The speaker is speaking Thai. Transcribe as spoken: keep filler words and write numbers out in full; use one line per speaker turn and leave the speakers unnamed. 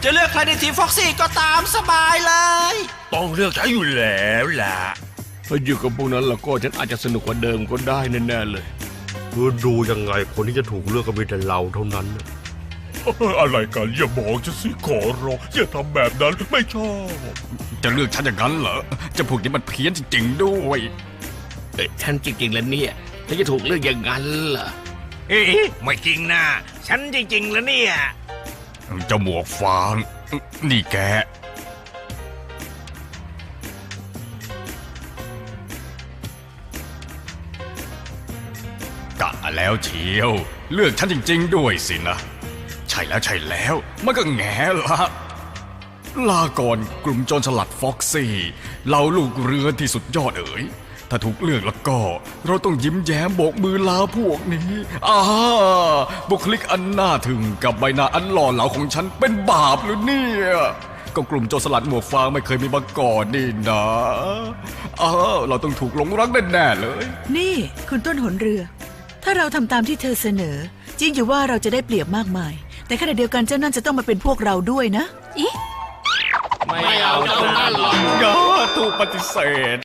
จะเลือกใครในทีมฟ็อกซี่ก็ตามสบายเลย
ต้องเลือกใช้อยู่แล้วล่ะ
ถ้าอยู่กับพวกนั้นแล้วก็ฉันอาจจะสนุกกว่าเดิมก็ได้แน่ๆเลยคือดูยังไงคนที่จะถูกเลือกก็มีแต่เราเท่านั้น
อะไรกันอย่าบอกฉันสิขอร้องอย่าทำแบบนั้นไม่ชอบ
จะเลือกฉันอย่างนั้นเหรอจะพวกนี้มันเพี้ยนจริงๆด้วย
เอ๊ะฉันจริงๆแล้วเนี่ยฉันจะถูกเลือกอย่างนั้นเหรอ
เอ๊ะไม่จริงนะฉันจริงๆแล้วเนี่ย
เจ้าหมวกฟางนี่แกกะแล้วเชียวเลือกฉันจริงๆด้วยสินะใช่แล้วใช่แล้วมันก็แง่ละลาก่อนกลุ่มโจรสลัดฟ็อกซี่เหล่าลูกเรือที่สุดยอดเอ๋ยถ้าถูกเลือกแล้วก็เราต้องยิ้มแย้มโบกมือลาพวกนี้อ่าบุคลิกอันน่าถึงกับใบหน้าอันหล่อเหลาของฉันเป็นบาปหรือเนี่ยก็กลุ่มโจรสลัดหมวกฟางไม่เคยมีมาก่อนนี่นะอ้าวเราต้องถูกหลงรักแน่ๆเลย
นี่คุณต้นหนเรือถ้าเราทำตามที่เธอเสนอจริงอยู่ว่าเราจะได้เปรียบมากมายแต่ขณะเดียวกันเจ้านั่นจะต้องมาเป็นพวกเราด้วยนะ
ไม่เอาเจ้านั่นหรอก
อย่าถูกปฏิเสธ